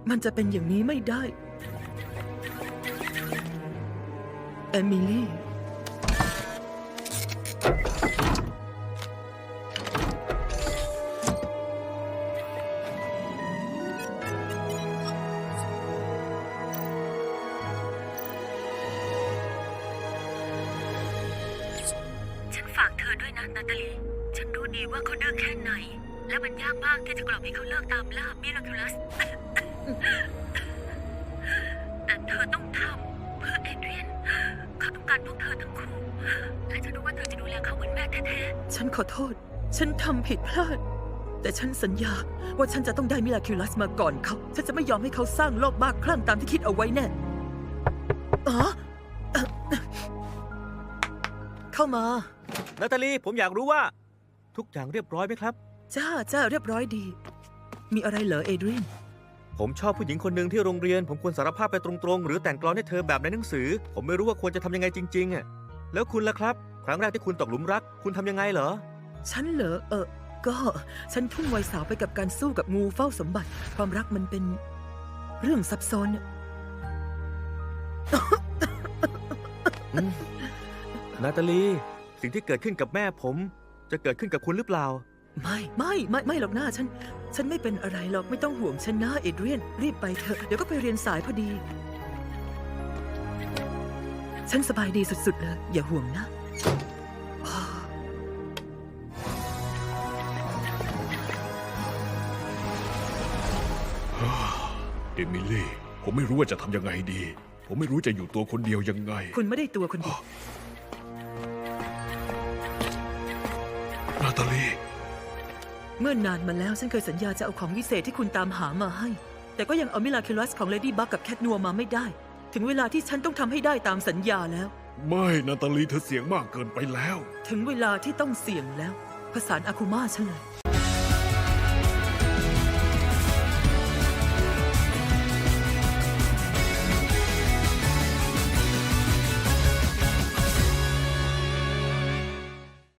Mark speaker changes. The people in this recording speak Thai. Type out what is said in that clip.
Speaker 1: มันจะเป็นอย่างนี้ไม่ได้เอมิลี่
Speaker 2: ฉันฝากเธอด้วยนะนาตาลี ฉันรู้ดีว่าเขาดื้อแค่ไหน และมันยากมากที่จะกล่อมให้เขาเลิกตามล่ามิราคิลัส แต่เธอต้องทำเพื่อเอเดรียน เขาต้องการพวกเธอทั้งคู่ และฉันรู้ว่าเธอจะดูแลเขาเหมือนแม่แท้ๆ
Speaker 1: ฉันขอโทษ ฉันทำผิดพลาด แต่ฉันสัญญาว่าฉันจะต้องได้มิราคิลัสมาก่อนเขา ฉันจะไม่ยอมให้เขาสร้างโลกบ้าคลั่งตามที่คิดเอาไว้แน่อ๋อเข้ามา
Speaker 3: นาตาลี ผมอยากรู้ว่า ทุกอย่างเรียบร้อยไหมครับ
Speaker 1: จ้าเรียบร้อยดี มีอะไรเหรอเอเดรียน
Speaker 3: ผมชอบผู้หญิงคนหนึ่งที่โรงเรียน ผมควรสารภาพไปตรงๆ หรือแต่งกลอนให้เธอแบบในหนังสือ ผมไม่รู้ว่าควรจะทำยังไงจริงๆอ่ะแล้วคุณล่ะครับ ครั้งแรกที่คุณตกหลุมรัก คุณทำยังไงเหรอ
Speaker 1: ฉันเหรอก็ฉันทุ่มวัยสาวไปกับการสู้กับงูเฝ้าสมบัติ ความรักมันเป็นเรื่องซับซ้อน
Speaker 3: นาตาลี สิ่งที่เกิดขึ้นกับแม่ผม จะเกิดขึ้นกับคุณหรือเปล่า
Speaker 1: ไม่หรอกหน้าฉันไม่เป็นอะไรหรอกไม่ต้องห่วงฉันนะเอเดรียนรีบไปเถอะเดี๋ยวก็ไปเรียนสายพอดี ฉันสบายดีสุดๆเลยอย่าห่วงนะ
Speaker 4: เอมิลี่ ผมไม่รู้ว่าจะทำยังไงดี ผมไม่รู้จะอยู่ตัวคนเดียวยังไง
Speaker 1: คุณไม่ได้ตัวคนเดียว
Speaker 4: นาตาลี
Speaker 1: เมื่อนานมาแล้วฉันเคยสัญญาจะเอาของวิเศษที่คุณตามหามาให้ แต่ก็ยังเอามิราคิลัสของเลดี้บัคกับแคทนัวมาไม่ได้ ถึงเวลาที่ฉันต้องทำให้ได้ตามสัญญาแล้ว
Speaker 4: ไม่นาตาลีเธอเสียงมากเกินไปแล้ว
Speaker 1: ถึงเวลาที่ต้องเสี่ยงแล้วผสานอาคุมาฉันเลย